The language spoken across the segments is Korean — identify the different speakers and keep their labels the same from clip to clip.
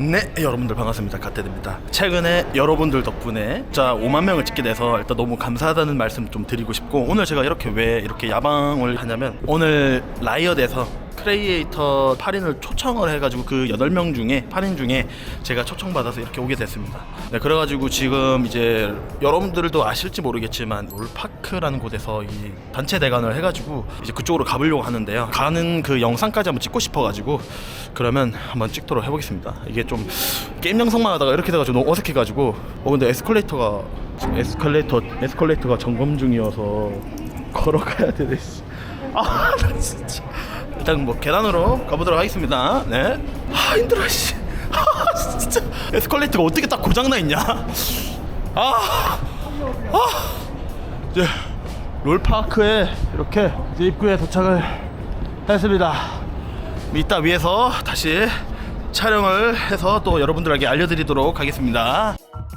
Speaker 1: 네, 여러분들 반갑습니다. 갓데드입니다. 최근에 여러분들 덕분에 진짜 5만 명을 찍게 돼서 일단 너무 감사하다는 말씀 좀 드리고 싶고, 오늘 제가 왜 이렇게 야방을 하냐면, 오늘 라이엇에서 크리에이터 8인을 초청을 해가지고 그 8명 중에 8인 중에 제가 초청받아서 이렇게 오게 됐습니다. 네, 그래가지고 지금 이제 여러분들도 아실지 모르겠지만 롤파크라는 곳에서 이 단체 대관을 해가지고 이제 그쪽으로 가보려고 하는데요. 가는 그 영상까지 한번 찍고 싶어가지고 그러면 한번 찍도록 해보겠습니다. 이게 좀 게임 영상만 하다가 이렇게 돼가지고 너무 어색해가지고 근데 에스컬레이터가 점검 중이어서 걸어가야 되네. 아, 나 진짜. 일단 뭐 계단으로 가보도록 하겠습니다. 네. 아, 힘들어 씨. 아, 진짜 에스컬레이터가 어떻게 딱 고장나 있냐. 이제 롤파크에 이렇게 이제 입구에 도착을 했습니다. 이따 위에서 다시 촬영을 해서 또 여러분들에게 알려드리도록 하겠습니다.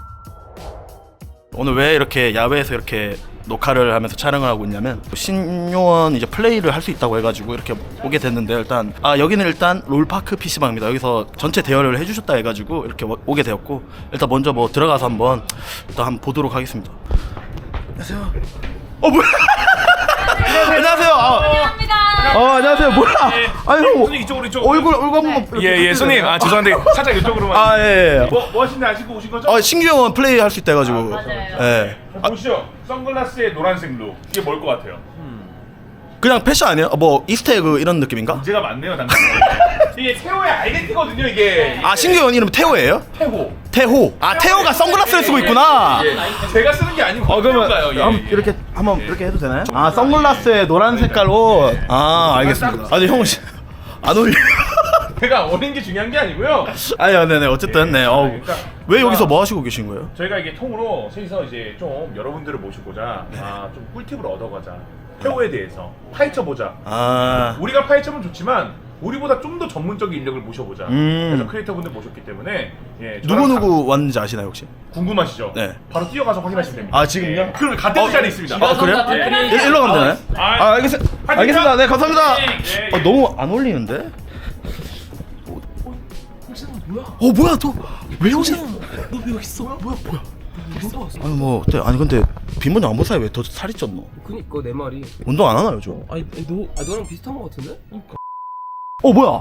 Speaker 1: 오늘 왜 이렇게 야외에서 이렇게 녹화를 하면서 촬영을 하고 있냐면, 신요원 이제 플레이를 할 수 있다고 해가지고 이렇게 오게 됐는데, 일단 여기는 일단 롤파크 PC방입니다. 여기서 전체 대여를 해주셨다 해가지고 이렇게 오게 되었고, 일단 먼저 뭐 들어가서 한번 보도록 하겠습니다. 안녕하세요. 뭐야? 안녕하세요. 안녕하세요. 뭐야? 아니 형,
Speaker 2: 이쪽으로
Speaker 1: 얼굴 한번.
Speaker 2: 예, 손님. 죄송한데 살짝 이쪽으로만.
Speaker 1: 예.
Speaker 2: 뭐 하시는지 아시고 오신 거죠?
Speaker 1: 신규원 플레이 할 수 있다 해가지고.
Speaker 3: 맞아요.
Speaker 1: 예.
Speaker 2: 보시죠. 선글라스에 노란색 룩. 이게 뭘 것 같아요?
Speaker 1: 그냥 패션 아니에요? 뭐 이스터에그 이런 느낌인가?
Speaker 2: 문제가 많네요, 당신. 이게 태호의 아이덴티거든요, 이게.
Speaker 1: 신규원 이름 태호예요? 태호. 태호가 선글라스를 쓰고 있구나.
Speaker 2: 제가 쓰는 게 아니고.
Speaker 1: 그러면
Speaker 2: 태호가요.
Speaker 1: 이렇게 해도 되나요? 선글라스에 노란 색깔 옷. 알겠습니다. 아니 형 안 어울려.
Speaker 2: 제가 어린 게 중요한 게 아니고요.
Speaker 1: 네네. 어쨌든 네. 왜 여기서 뭐 하시고 계신 거예요?
Speaker 2: 저희가 이게 통으로 셋이서 이제 좀 여러분들을 모시고자 좀 꿀팁을 얻어가자. 태호에 대해서 파헤쳐보자. 우리가 파헤쳐면 좋지만 우리보다 좀 더 전문적인 인력을 모셔보자. 그래서 크리에이터분들 모셨기 때문에
Speaker 1: 누구 왔는지 아시나요 혹시?
Speaker 2: 궁금하시죠?
Speaker 1: 네.
Speaker 2: 바로 뛰어가서 확인하시면 됩니다.
Speaker 1: 지금요?
Speaker 2: 그럼 갓데드 자리에 있습니다.
Speaker 1: 그래요? 일로 가면 되나요? 알겠습니다. 네, 감사합니다. 너무 안 어울리는데? 뭐야 너 왜 여기? 너 왜 여기 있어? 뭐야? 아니 뭐 어때? 아니 근데 빈번이 안 보사에 왜 더 살이 쪘노?
Speaker 4: 그니까 내 말이.
Speaker 1: 운동 안 하나 요즘?
Speaker 4: 너랑 비슷한 거 같은데?
Speaker 1: 뭐야?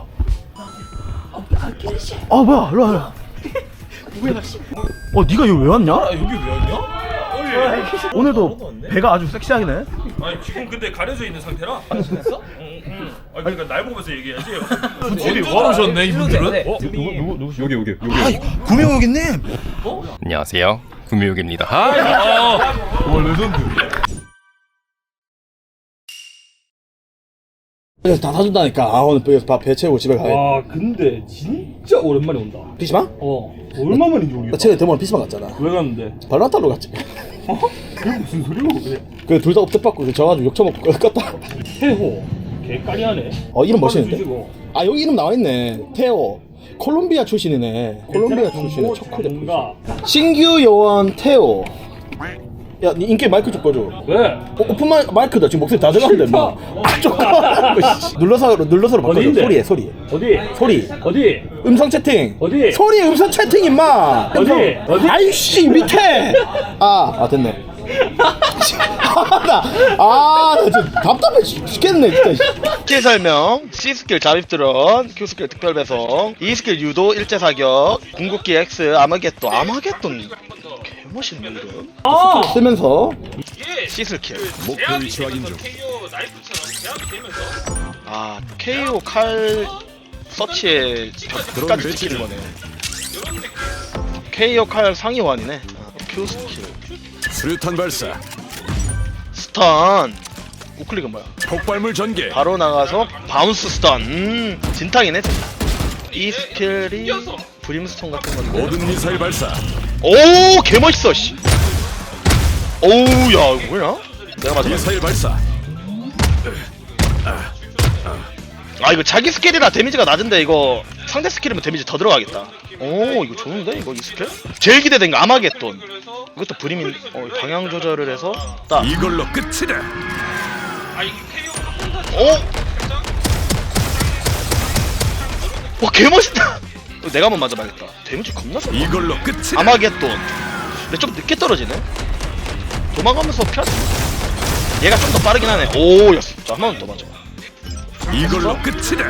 Speaker 1: 뭐야? 일로 와. 뭐야? 네가 여기 왜 왔냐?
Speaker 2: 여기 왜 왔냐?
Speaker 1: 오늘도 배가 아주 섹시하네.
Speaker 2: 지금 근데 가려져 있는 상태라. 그랬어? 응. 그러니까 날 보면서 얘기해야지.
Speaker 4: 어디
Speaker 2: 와 오셨네 이분들은?
Speaker 1: 누구? 여기. 구미호기님.
Speaker 5: 안녕하세요, 구미호기입니다.
Speaker 2: 레전드.
Speaker 1: 그래서 다 사준다니까. 오늘 배 채우고 집에 가야.
Speaker 4: 근데 진짜 오랜만에 온다.
Speaker 1: PC방?
Speaker 4: 얼마만인지 모르겠다.
Speaker 1: 나 최근에 대모랑 PC방 갔잖아.
Speaker 4: 왜 갔는데?
Speaker 1: 발란타로 갔지.
Speaker 4: 그게 무슨 소리고 그래?
Speaker 1: 둘 다 업데받고 져가지고 욕 처먹고 껐다.
Speaker 4: 태호 개까리하네.
Speaker 1: 이름 멋있는데?
Speaker 4: 주시고.
Speaker 1: 여기 이름 나와있네. 테오. 콜롬비아 출신이네. 콜롬비아 출신의 척후 대표.
Speaker 4: 뭔가
Speaker 1: 신규 요원 테오. 야, 니 인기 마이크 좀 꺼줘.
Speaker 4: 왜?
Speaker 1: 오픈 마이크다. 지금 목소리 다 들어가는데 뭐. 눌러서 바꿔줘.
Speaker 4: 어디인데?
Speaker 1: 소리.
Speaker 4: 어디? 어디?
Speaker 1: 음성 채팅.
Speaker 4: 어디?
Speaker 1: 소리 음성 채팅 임마.
Speaker 4: 어디?
Speaker 1: 아이씨 밑에. 됐네. 나 진짜 답답해 죽겠네 진짜. 스킬 설명: C스킬 잠입드론, Q스킬 특별 배송, E스킬 유도 일제 사격, 궁극기 X 아마겟돈 개멋있네 이름. 쓰면서 C스킬
Speaker 2: 목표를 확인 중. KO 나이프처럼 제압이 되면서.
Speaker 1: KO 칼 서치에 벽까지 찍히는 거네. KO 칼 상위원이네. Q스킬
Speaker 6: 수류탄 발사,
Speaker 1: 스턴. 우클릭은 뭐야?
Speaker 6: 폭발물 전개,
Speaker 1: 바로 나가서 바운스 스턴. 진탕이네. 이 스킬이 브림스톤 같은 건데.
Speaker 6: 모든 미사일 발사,
Speaker 1: 오, 개멋있어 씨. 오우, 야 이거 뭐야? 내가 맞아.
Speaker 6: 미사일 발사,
Speaker 1: 이거 자기 스킬이라 데미지가 낮은데 이거 상대 스킬이면 데미지 더 들어가겠다. 오, 이거 좋은데 이거 이 스킬? 제일 기대된 거 아마겟돈. 이것도 브림인. 방향 조절을 해서 딱.
Speaker 6: 이걸로 끝이다.
Speaker 1: 와, 개멋있다. 내가 한번 맞아봐야겠다. 데미지 겁나 세.
Speaker 6: 이걸로 끝이다.
Speaker 1: 아마겟돈. 근데 좀 늦게 떨어지네. 도망가면서 편. 얘가 좀 더 빠르긴 하네. 오, 였어. 자, 한 번 더 맞아.
Speaker 6: 이걸로 끝이다.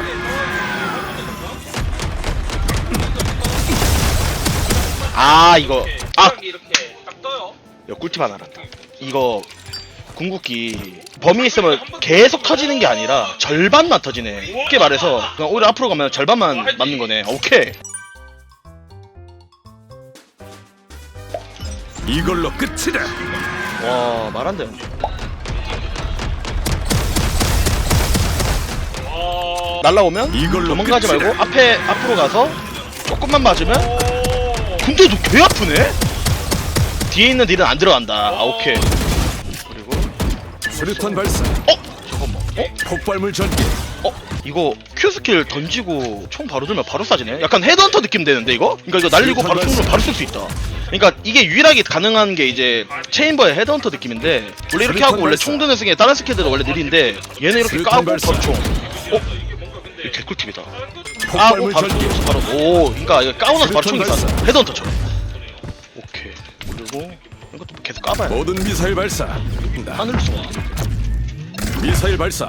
Speaker 1: 아, 이거. 아, 이거 꿀팁 하나 알았다. 이거 궁극기 범위 있으면 계속 터지는 게 아니라 절반만 터지네. 쉽게 말해서 그냥 오히려 앞으로 가면 절반만 맞는 거네. 오케이.
Speaker 6: 이걸로 끝이다.
Speaker 1: 와, 말 안 돼. 날라오면
Speaker 6: 이걸로
Speaker 1: 도망가지
Speaker 6: 끝이다.
Speaker 1: 말고 앞으로 가서 조금만 맞으면. 근데 너 개 아프네? 뒤에 있는 딜은 안 들어간다. 아, 오케이. 그리고
Speaker 6: 수류탄 발사.
Speaker 1: 잠깐만.
Speaker 6: 폭발물 전개.
Speaker 1: 이거 Q 스킬 던지고 총 바로 들면 바로 쏴지네? 약간 헤드헌터 느낌 되는데 이거? 그러니까 이거 날리고 바로 총으로 바로 쏠 수 있다. 그러니까 이게 유일하게 가능한 게 이제 체인버의 헤드헌터 느낌인데 원래 이렇게 하고 원래 총 드는 승에 다른 스킬들은 원래 느린데 얘는 이렇게 까고 바로 총. 이거 개꿀팁이다. 까고
Speaker 6: 폭발물
Speaker 1: 바로
Speaker 6: 전개.
Speaker 1: 총으로 바로. 오, 그러니까 이거 까고 나서 바로 총이
Speaker 6: 발사.
Speaker 1: 쏴. 헤드헌터처럼. 오케이. 그리고 이것도 계속 까봐야 돼.
Speaker 6: 모든 미사일 발사.
Speaker 1: 하늘을 쏘아.
Speaker 6: 미사일 발사.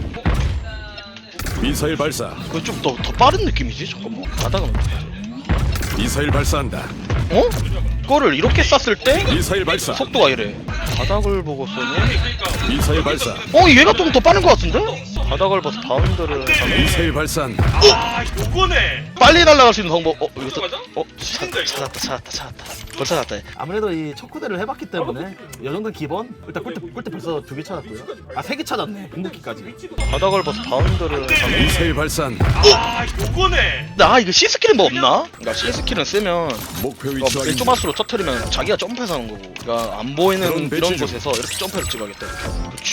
Speaker 6: 미사일 발사.
Speaker 1: 그거 좀 더 빠른 느낌이지? 잠깐만. 가다가
Speaker 6: 미사일 발사한다.
Speaker 1: 그거를 이렇게 쐈을 때
Speaker 6: 미사일 발사.
Speaker 1: 속도가 이래. 바닥을 보고 쏘니?
Speaker 6: 미사일 발사.
Speaker 1: 얘가 좀 더 빠른 것 같은데? 바닥을 봐서 바운드를 하면
Speaker 6: 미사일 발사한다.
Speaker 1: 빨리 날아갈 수 있는 방법. 이거 찾았다. 벌써 찾았다.
Speaker 3: 아무래도 이 척후대를 해봤기 때문에 이 정도 기본 일단 꿀팁 벌써 2개 찾았고요. 아 3개 찾았네. 궁극기까지.
Speaker 1: 바닥을 봐서 바운드를 하면.
Speaker 6: 미사일 발사한다.
Speaker 1: 이거 C 스킬은 뭐 없나? 그러니까 C 스킬은 쓰면
Speaker 6: 목표 위치 확인.
Speaker 1: 1조마스로 터트리면 자기가 점프해서 하는 거고. 그러니까 안 보이는
Speaker 6: 그럼
Speaker 1: 이런
Speaker 6: 배치 좀.
Speaker 1: 곳에서 이렇게 점프해서 찍어야겠다. 이렇게. 그렇지.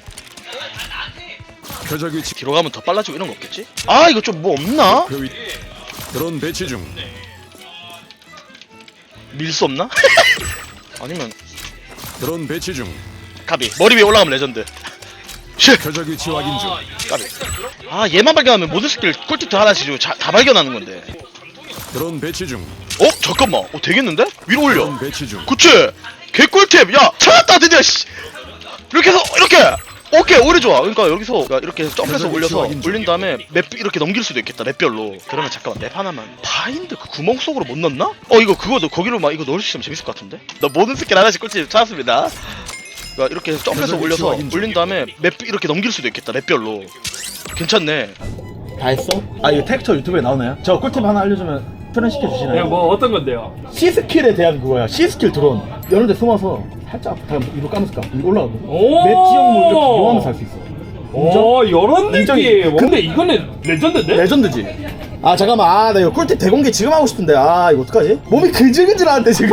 Speaker 6: 표적 위치.
Speaker 1: 뒤로 가면 더 빨라지고 이런 거 없겠지? 이거 좀 뭐 없나?
Speaker 6: 목표 위. 드론 배치 중.
Speaker 1: 밀 수 없나? 아니면
Speaker 6: 드론 배치 중.
Speaker 1: 가비 머리 위에 올라가면 레전드.
Speaker 6: 표적 위치 확인 중.
Speaker 1: 가비. 얘만 발견하면 모든 스킬 꿀팁 하나씩 주고 다 발견하는 건데.
Speaker 6: 드론 배치 중.
Speaker 1: 잠깐만. 되겠는데? 위로 올려.
Speaker 6: 드론 배치 중.
Speaker 1: 그치? 개꿀팁. 야, 찾았다 드디어. 씨. 이렇게 해서 이렇게. 오케이, 오히려 좋아. 그러니까 여기서 이렇게 점프해서 올려서 올린 다음에 맵 이렇게 넘길 수도 있겠다. 맵별로. 그러면 잠깐만, 맵 하나만. 바인드 그 구멍 속으로 못 넣나? 그거 너 거기로 막 이거 넣을 수 있으면 재밌을 것 같은데? 나 모든 스킬 하나씩 꿀팁 찾았습니다. 그러니까 이렇게 해서 점프해서 올려서 올린 다음에 맵 이렇게 넘길 수도 있겠다. 맵별로. 괜찮네.
Speaker 3: 다 했어? 이거 텍스처 유튜브에 나오나요? 저 꿀팁 하나 알려주면 출연시켜 주시나요?
Speaker 4: 뭐 어떤 건데요?
Speaker 3: C 스킬에 대한 그거야. C 스킬 드론. 이런 데 숨어서 살짝 위로 까면서 까. 위로 올라가고. 맵 지역물 이렇게 이용하면서 할 수 있어.
Speaker 4: 요런
Speaker 3: 인정이.
Speaker 4: 느낌. 근데 이거는 레전드인데?
Speaker 3: 레전드지? 잠깐만. 나 이거 꿀팁 대공개 지금 하고 싶은데. 이거 어떡하지? 몸이 근질근질하는데 지금.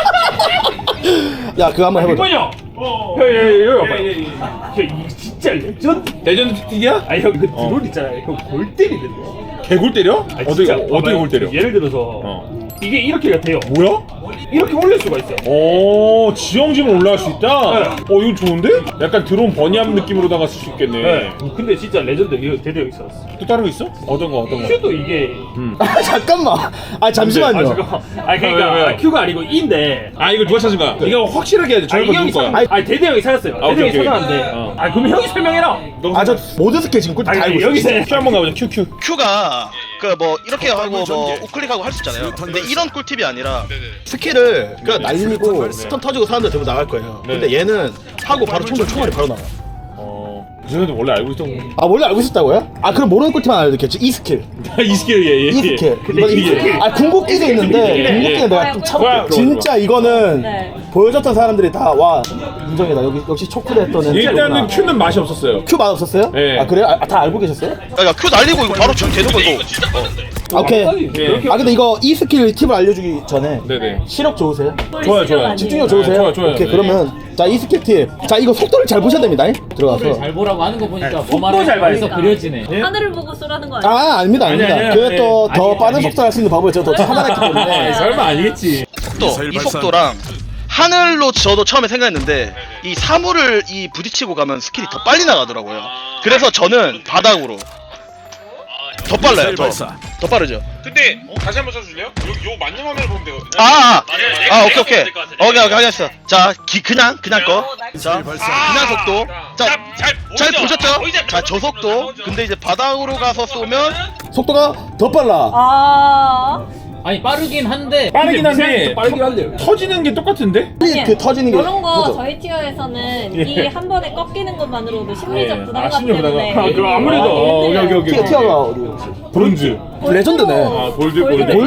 Speaker 3: 야, 그거 한번 해보자.
Speaker 4: 이거요. 여기 봐봐. 이 진짜 레전드 특기야? 형 그 드론 있잖아요. 형 골 때리는데.
Speaker 2: 개굴 때려?
Speaker 4: 어떻게 골 때려? 예를 들어서 이게 이렇게가 돼요. 뭐야? 이렇게 올릴 수가 있어요.
Speaker 2: 오, 지형지면 올라갈 수 있다?
Speaker 4: 네.
Speaker 2: 이거 좋은데? 약간 드론 버니함 느낌으로다가 쓸 수 있겠네.
Speaker 4: 네. 근데 진짜 레전드 이거 대대 여기 있었어.
Speaker 2: 또 다른 거 있어? 어떤 거?
Speaker 4: 큐도 이게.
Speaker 3: 잠깐만. 잠시만요.
Speaker 4: 그러니까
Speaker 2: 왜?
Speaker 4: 큐가 아니고 인데.
Speaker 2: 이걸 누가 찾은 거야? 네가 확실하게 해야 돼. 저런 거 누구 거야?
Speaker 4: 대대 형이 찾았어요. 대대
Speaker 2: 오케이,
Speaker 4: 형이
Speaker 2: 오케이.
Speaker 4: 찾았는데. 그럼 형이 설명해라.
Speaker 3: 저 모든 스킬 지금 꿀팁 다 알고 있어.
Speaker 4: 여기서
Speaker 2: 큐 한번 가보자. 큐.
Speaker 1: Q가 이렇게 하고 우클릭하고 할 수 있잖아요. 근데 이런 꿀팁이 아니라
Speaker 3: 스킬을 그냥 날리고 스턴 터지고 사람들 대부분 나갈 거예요. 근데 얘는 하고 바로 총알이 바로 나와.
Speaker 2: 그 전에도 원래 알고 있던 거.
Speaker 3: 원래 알고 있었다고요? 그럼 모르는 꿀팁만 알려드릴게요. 이 스킬.
Speaker 2: 이 스킬, 예.
Speaker 3: 이 스킬. 이건 이 스킬. 궁극기도 있는데 궁극기는 내가 좀 차고. 진짜 이거는 보여줬던 사람들이 다 와 인정이다. 역시 초크대 했던 애는
Speaker 2: 일단은 큐는 맛이 없었어요.
Speaker 3: 큐 맛없었어요?
Speaker 2: 네.
Speaker 3: 그래요? 다 알고 계셨어요?
Speaker 1: 야, Q 날리고 이거 바로 지금 되는 거고.
Speaker 3: 오케이. 근데 이거 이 스킬 팁을 알려주기 전에
Speaker 2: 네네.
Speaker 3: 시력 좋으세요?
Speaker 2: 좋아요.
Speaker 3: 집중력 좋으세요?
Speaker 2: 좋아요.
Speaker 3: 오케이,
Speaker 2: 네.
Speaker 3: 그러면 자, 이 스킬 팁. 자, 이거 속도를 잘 보셔야 됩니다. 들어가서.
Speaker 7: 잘 보라고 하는 거 보니까
Speaker 4: 속도
Speaker 7: 보마를
Speaker 4: 잘 봐야지.
Speaker 7: 해서 그려지네.
Speaker 8: 하늘을 보고 쏘라는 거 아니야?
Speaker 3: 아닙니다.
Speaker 4: 아니야.
Speaker 3: 그게 또 더
Speaker 7: 아니,
Speaker 3: 빠른
Speaker 7: 아니.
Speaker 3: 속도를 할 수 있는 방법을 제가 더 찾아냈기 때문에.
Speaker 4: 설마 아니겠지.
Speaker 1: 속도,
Speaker 6: 미사일
Speaker 1: 이
Speaker 6: 발사.
Speaker 1: 속도랑 하늘로 저도 처음에 생각했는데 이 사물을 부딪히고 가면 스킬이 더 빨리 나가더라고요. 그래서 저는 바닥으로 더 빨라요.
Speaker 6: 미사일 발사.
Speaker 1: 더 빠르죠.
Speaker 7: 근데 다시 한번 써줄래요? 요 맞는 화면을 보면 되거든요.
Speaker 8: 오케이. 알겠어. 자, 그냥 거. 자, 그냥 속도. 잘 보셨죠? 자, 저속도. 근데 이제 바닥으로 가서 쏘면
Speaker 3: 속도가 더 빨라.
Speaker 9: 아니 빠르긴 한데
Speaker 4: 빠르긴 한데
Speaker 9: 빠르긴 한데
Speaker 4: 터지는 게 똑같은데?
Speaker 3: 그 터지는 게
Speaker 10: 이런 거
Speaker 3: 터져.
Speaker 10: 저희 티어에서는 이 한 번에 꺾이는 것만으로도 심리적 부담감
Speaker 4: 심리적 부담감.
Speaker 10: 때문에
Speaker 4: 그럼 아무래도 오케이.
Speaker 3: 티어가 어디 혹시?
Speaker 4: 브론즈.
Speaker 3: 레전드네.
Speaker 4: 골드.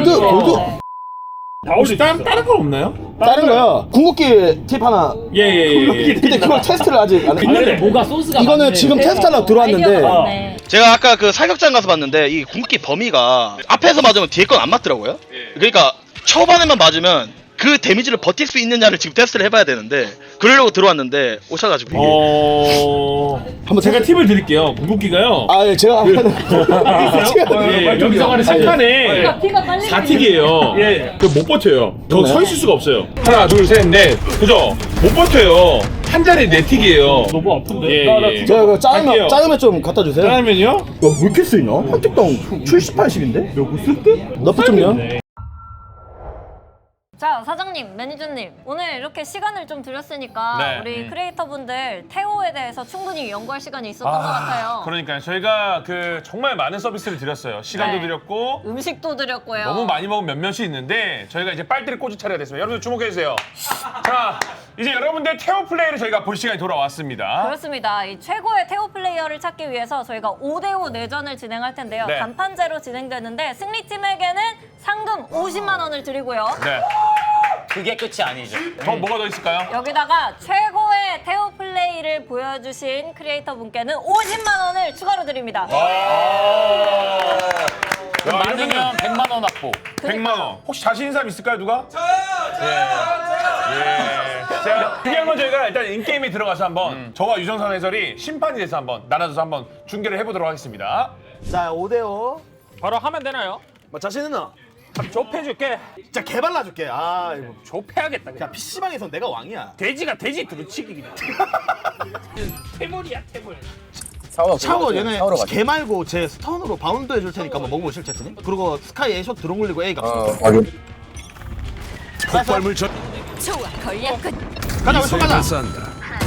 Speaker 4: 다른 건 없나요?
Speaker 3: 다른 거요. 궁극기 팁 하나.
Speaker 4: 예.
Speaker 3: 근데 그걸 테스트를 아직 안
Speaker 9: 근데
Speaker 3: 했는데
Speaker 9: 뭐가 소스가
Speaker 3: 이거는
Speaker 9: 많네.
Speaker 3: 지금 테스트하려고 들어왔는데
Speaker 10: 네.
Speaker 8: 제가 아까 그 사격장 가서 봤는데 이 궁극기 범위가 앞에서 맞으면 뒤에 건 안 맞더라고요. 그러니까 초반에만 맞으면 그 데미지를 버틸 수 있느냐를 지금 테스트를 해봐야 되는데 그러려고 들어왔는데 오셔가지고 이게
Speaker 3: 한번
Speaker 4: 제가 팁을 드릴게요. 궁극기가요.
Speaker 3: 예, 제가 하는
Speaker 4: 여기서 가는 3칸에
Speaker 10: 피가 빨리
Speaker 4: 4틱이에요. 못 버텨요. 더 서 있을 수가 없어요. 하나, 둘, 셋, 넷. 그죠? 못 버텨요. 한 자리에 4틱이에요. 너무 아픈데?
Speaker 3: 제가 그
Speaker 4: 갈게요.
Speaker 3: 짜장면 좀 갖다 주세요.
Speaker 4: 짜장면이요?
Speaker 3: 왜 이렇게 쓰이냐? 한 틱당 70, 80인데? 몇 쓸 때? 너프 좀요?
Speaker 10: 자 사장님, 매니저님, 오늘 이렇게 시간을 좀 드렸으니까
Speaker 2: 네.
Speaker 10: 우리 크리에이터분들 태호에 대해서 충분히 연구할 시간이 있었던 것 같아요.
Speaker 2: 그러니까요. 저희가 그 정말 많은 서비스를 드렸어요. 시간도
Speaker 10: 네.
Speaker 2: 드렸고
Speaker 10: 음식도 드렸고요.
Speaker 2: 너무 많이 먹은 몇몇이 있는데 저희가 이제 빨대를 꽂이 차려야 됐습니다. 여러분들 주목해 주세요. 자, 이제 여러분들 태호 플레이를 저희가 볼 시간이 돌아왔습니다.
Speaker 10: 그렇습니다. 이 최고의 태호 플레이어를 찾기 위해서 저희가 5대5 내전을 진행할 텐데요.
Speaker 2: 네.
Speaker 10: 단판제로 진행되는데 승리팀에게는 상금 50만 원을 드리고요.
Speaker 2: 네.
Speaker 9: 그게 끝이 아니죠.
Speaker 2: 더 뭐가 더 있을까요?
Speaker 10: 여기다가 최고의 태호 플레이를 보여주신 크리에이터 분께는 50만 원을 추가로 드립니다.
Speaker 9: 많으면 100만 원 확보.
Speaker 2: 100만 원. 혹시 자신 있는 사람 있을까요, 누가? 예. 자, 중요한 건 저희가 일단 인게임에 들어가서 한번 저와 유정선 해설이 심판이 돼서 한번 나눠서 한번 중계를 해보도록 하겠습니다.
Speaker 3: 자, 5대5.
Speaker 9: 바로 하면 되나요?
Speaker 3: 뭐 자신 있나?
Speaker 9: 좁혀줄게.
Speaker 3: 진짜 개발라줄게. 아, 이거.
Speaker 9: 좁혀야겠다. 그냥.
Speaker 3: 야, PC방에서 내가 왕이야.
Speaker 9: 돼지가 돼지 두루치기 그냥. 태물이야 태물.
Speaker 3: 차고 얘네 개 말고 제 스턴으로 바운드 해줄 테니까 한번 먹어보실 채트님? 그리고 스카이 A숏 드론 굴리고 A 갑시다.
Speaker 6: 폭발물 전
Speaker 10: 좋아, 걸려 끝.
Speaker 3: 가자, 왼쪽 가자.
Speaker 6: 발사한다.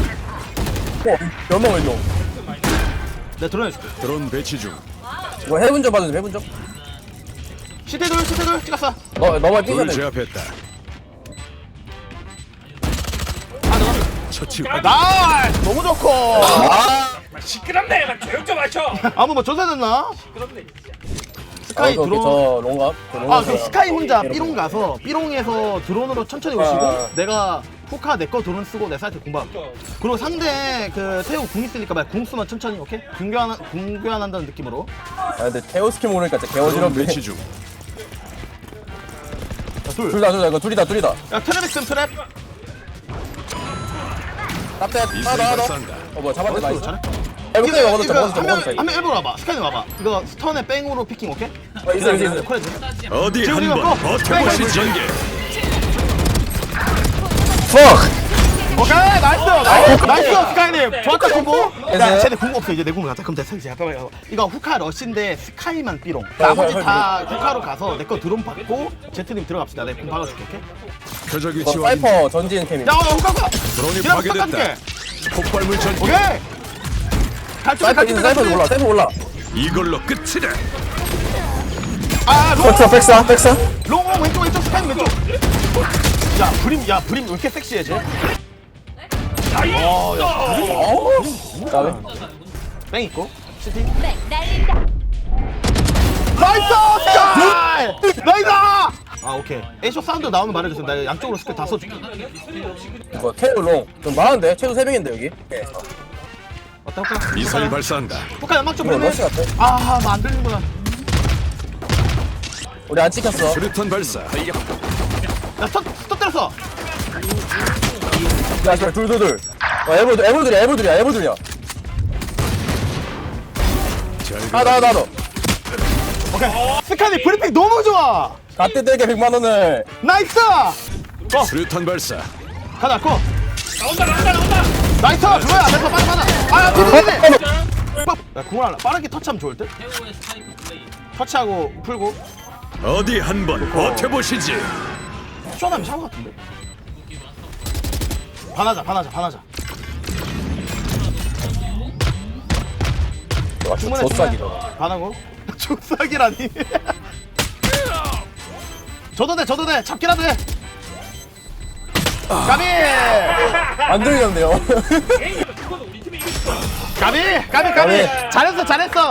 Speaker 3: 연봉을 줘. 내가 드론 해줄게.
Speaker 6: 드론 배치 중.
Speaker 11: 이거 해본 적 봐도 해본 적?
Speaker 3: 시대들 찍었어.
Speaker 11: 너만
Speaker 6: 둘
Speaker 11: 뛰어야 돼.
Speaker 6: 제압했다. 처치.
Speaker 3: 나 너무 좋고.
Speaker 9: 시끄럽네. 조용 좀 하셔.
Speaker 3: 아무 뭐 조사됐나? 스카이 드론.
Speaker 11: 저 롱갑.
Speaker 3: 그 스카이 혼자 삐롱 가서 삐롱에서 드론으로 천천히 오시고 내가 후카 내 거 드론 쓰고 내 사이트 공방. 그리고 상대 그 태우 궁 있으니까 말 궁 쓰면 천천히 오케이? 궁 교환한다는 느낌으로.
Speaker 11: 근데 테오 스킬 모르니까 진짜
Speaker 6: 드론
Speaker 11: 개어지럽네.
Speaker 6: 배치 중.
Speaker 11: 둘다 이거 둘이다.
Speaker 3: 야 트랩 있음 트랩.
Speaker 11: tap대
Speaker 6: 미사일
Speaker 11: 하나 더.
Speaker 6: 발사한다.
Speaker 11: 뭐야 잡았대 나이스.
Speaker 3: 잘해.
Speaker 11: 해볼게
Speaker 3: 이거
Speaker 11: 먹어도
Speaker 3: 한명 일부러 와봐. 스카이 와봐. 이거 스턴에 뺑으로 피킹 오케이?
Speaker 11: 있어.
Speaker 3: 콜해줘.
Speaker 6: 어디
Speaker 3: 지금 이거
Speaker 6: 한번
Speaker 3: 거.
Speaker 6: 버텨보시 전개.
Speaker 3: 오케이 나이스 스카이님 좋았다 콤보. 야 쟤네 궁 없어 이제 내 궁을 가자. 그럼 됐어 이제 잠깐만. 이거 후카 러시인데 스카이만 삐롱. 나머지 다 후카로 가서 내 거 드론 받고 제트님 들어갑시다. 내 궁 박아줄게 오케이?
Speaker 6: 표적이 치와
Speaker 11: 사이퍼 전진 캠이.
Speaker 3: 야 후카
Speaker 6: 드론이
Speaker 3: 기다려
Speaker 6: 파괴됐다.
Speaker 3: 깎아줄게.
Speaker 6: 폭발물 전개.
Speaker 3: 오케이.
Speaker 11: 사이퍼 올라. 사이퍼 올라.
Speaker 6: 이걸로 끝이다.
Speaker 3: 아
Speaker 11: 백사.
Speaker 3: 롱 왼쪽 스카이 왼쪽. 야 브림 왜 이렇게 섹시해 쟤? 뺑 있고 시티. 나이스 스카이! 나이스! 아 오케이. 에이쇼 사운드 나오면 말해주세요. 나 양쪽으로 스킬 다 써줄게.
Speaker 11: 이거 테오 롱. 좀 많은데 최소 3명인데 여기.
Speaker 3: 어때 후카?
Speaker 6: 미사일 발사한다.
Speaker 3: 후카 연막 좀
Speaker 11: 뭐야,
Speaker 3: 보내.
Speaker 11: 러시 같아.
Speaker 3: 아, 안 들리는구나.
Speaker 11: 우리 안 찍혔어.
Speaker 6: 수류탄 발사.
Speaker 3: 야, 스톱 때렸어.
Speaker 11: 야 씨발 둘. 에볼들이야. 나.
Speaker 3: 오케이. 스카이 브리핑 너무 좋아.
Speaker 11: 갓대 떼게 100만 원을.
Speaker 3: 나이스!
Speaker 6: 수류탄 발사.
Speaker 3: 가자, 고! 나온다! 나이스! 그거야! 됐어, 빨리! 야, 궁을 하나. 빠르게 터치하면 좋을 듯? 터치하고, 풀고.
Speaker 6: 어디 한번 버텨보시지.
Speaker 3: 쇼하면 샤워 같은데. 반하자. 충분해.
Speaker 11: 조싹이다.
Speaker 3: 반하고. 조싹이라니. 저도 돼. 잡기라도 해. 까비.
Speaker 11: 안 들리는데요.
Speaker 3: 까비. 잘했어.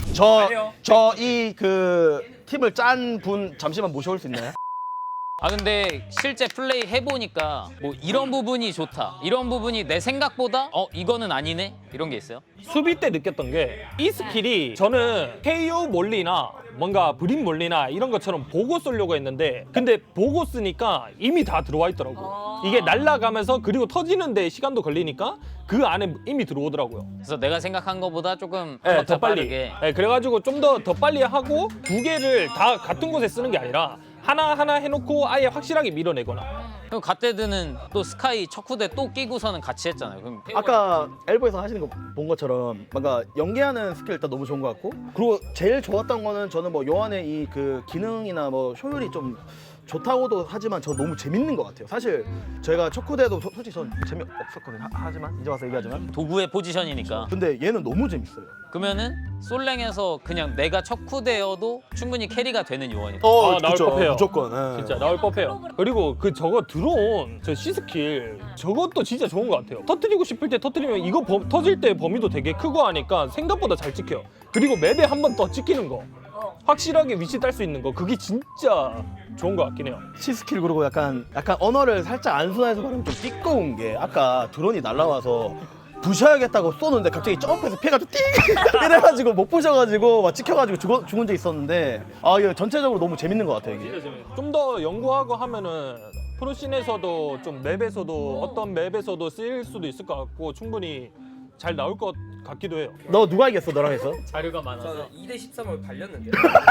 Speaker 3: 저 이 그 팀을 짠 분 잠시만 모셔올 수 있나요?
Speaker 12: 아 근데 실제 플레이 해보니까 뭐 이런 부분이 좋다, 이런 부분이 내 생각보다 이거는 아니네 이런 게 있어요?
Speaker 9: 수비 때 느꼈던 게 이 스킬이 저는 KO 몰리나 뭔가 브림 몰리나 이런 것처럼 보고 쏘려고 했는데 근데 보고 쓰니까 이미 다 들어와 있더라고요. 이게 날아가면서 그리고 터지는데 시간도 걸리니까 그 안에 이미 들어오더라고요.
Speaker 12: 그래서 내가 생각한 것보다 조금
Speaker 9: 네,
Speaker 12: 더
Speaker 9: 더 빨리.
Speaker 12: 빠르게.
Speaker 9: 네, 그래가지고 좀 더 빨리 하고 두 개를 다 같은 곳에 쓰는 게 아니라 하나 해놓고 아예 확실하게 밀어내거나.
Speaker 12: 그럼 갓데드는 또 스카이 척후대 또 끼고서는 같이 했잖아요. 그럼
Speaker 3: 아까 엘보에서 하시는 거 본 것처럼 뭔가 연계하는 스킬 일단 너무 좋은 것 같고 그리고 제일 좋았던 거는 저는 뭐 요한의 이 그 기능이나 뭐 효율이 좀 좋다고도 하지만 저 너무 재밌는 것 같아요. 사실 저희가 척후대도 솔직히 전 재미없었거든요. 하지만 이제 와서 얘기하지만
Speaker 12: 도구의 포지션이니까.
Speaker 3: 근데 얘는 너무 재밌어요.
Speaker 12: 그러면은 솔랭에서 그냥 내가 척후대여도 충분히 캐리가 되는 요원이다.
Speaker 9: 나올
Speaker 3: 그쵸.
Speaker 9: 법해요.
Speaker 3: 무조건. 예.
Speaker 9: 진짜 나올 법해요. 그리고 그 저거 들어온 저 C스킬 저것도 진짜 좋은 것 같아요. 터뜨리고 싶을 때 터뜨리면 이거 터질 때 범위도 되게 크고 하니까 생각보다 잘 찍혀요. 그리고 맵에 한 번 더 찍히는 거 확실하게 위치 딸 수 있는 거 그게 진짜 좋은 것 같긴 해요.
Speaker 3: C스킬 그리고 약간 언어를 살짝 안순화해서 말하면 좀 띠꺼운 게 아까 드론이 날라와서 부셔야겠다고 쏘는데 갑자기 점프해서 피해가지고 띵 이래가지고 못 부셔가지고 막 찍혀가지고 죽은 적 있었는데 이거 전체적으로 너무 재밌는 것 같아요 이게.
Speaker 9: 좀 더 연구하고 하면은 프로씬에서도 좀 맵에서도 어떤 맵에서도 쓰일 수도 있을 것 같고 충분히 잘 나올 것 같기도 해요.
Speaker 3: 너 누가 이겼어 너랑 해서?
Speaker 12: 자료가 많아서.
Speaker 13: 2대 13을 발렸는데.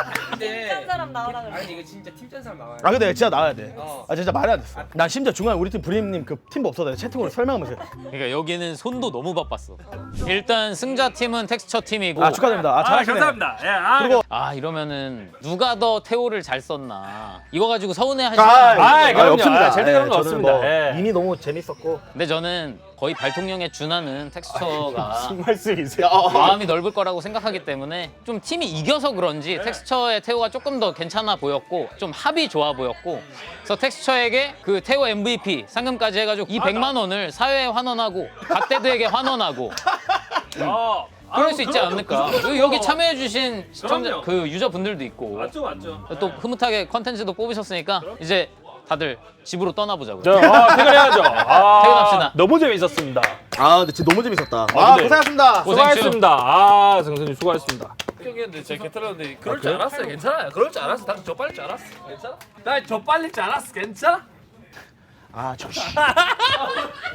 Speaker 10: 팀짠 사람 나오라 그래.
Speaker 13: 아니 이거 진짜 팀짠 사람 나와요.
Speaker 3: 근데 진짜 나와야 돼.
Speaker 13: 어.
Speaker 3: 진짜 말해야 됐어. 난 심지어 중간에 우리 팀 브림님 그 팀버 없어서 채팅으로 설명하면서
Speaker 12: 그러니까 여기는 손도 너무 바빴어. 일단 승자 팀은 텍스처 팀이고.
Speaker 3: 축하드립니다. 잘하시네.
Speaker 9: 감사합니다.
Speaker 3: 그리고
Speaker 12: 이러면은 누가 더 태오를 잘 썼나 이거 가지고 서운해하시는
Speaker 9: 그럼요.
Speaker 3: 없습니다.
Speaker 9: 절대 그런 거
Speaker 3: 저는
Speaker 9: 없습니다.
Speaker 3: 뭐
Speaker 9: 예.
Speaker 3: 이미 너무 재밌었고.
Speaker 12: 근데 저는 거의 발통령에 준하는 텍스처가
Speaker 9: 무슨 말씀이세요?
Speaker 12: 마음이 넓을 거라고 생각하기 때문에 좀 팀이 이겨서 그런지 텍스처의 태오가 조금 더 괜찮아 보였고 좀 합이 좋아 보였고 그래서 텍스처에게 그 태오 MVP 상금까지 해가지고 이 100만 원을 사회에 환원하고 갓데드에게 환원하고 그럴 수 있지 않을까. 여기 참여해주신 시청자 그 유저분들도 있고
Speaker 9: 맞죠.
Speaker 12: 또 흐뭇하게 컨텐츠도 뽑으셨으니까 이제 다들 집으로 떠나보자고요.
Speaker 9: 퇴근해야죠.
Speaker 12: 퇴근합시다.
Speaker 9: 너무 재밌었습니다.
Speaker 3: 근데 진짜 너무 재밌었다.
Speaker 9: 근데
Speaker 3: 고생하셨습니다.
Speaker 9: 수고하셨습니다. 성선님 수고하셨습니다.
Speaker 13: 형이었는데 제가 개털었는데 그럴 줄 알았어요. 괜찮아요. 그럴 줄 알았어. 난 저 빨릴 줄 알았어. 괜찮아? 난 저 빨릴 줄 알았어. 괜찮아?
Speaker 3: 저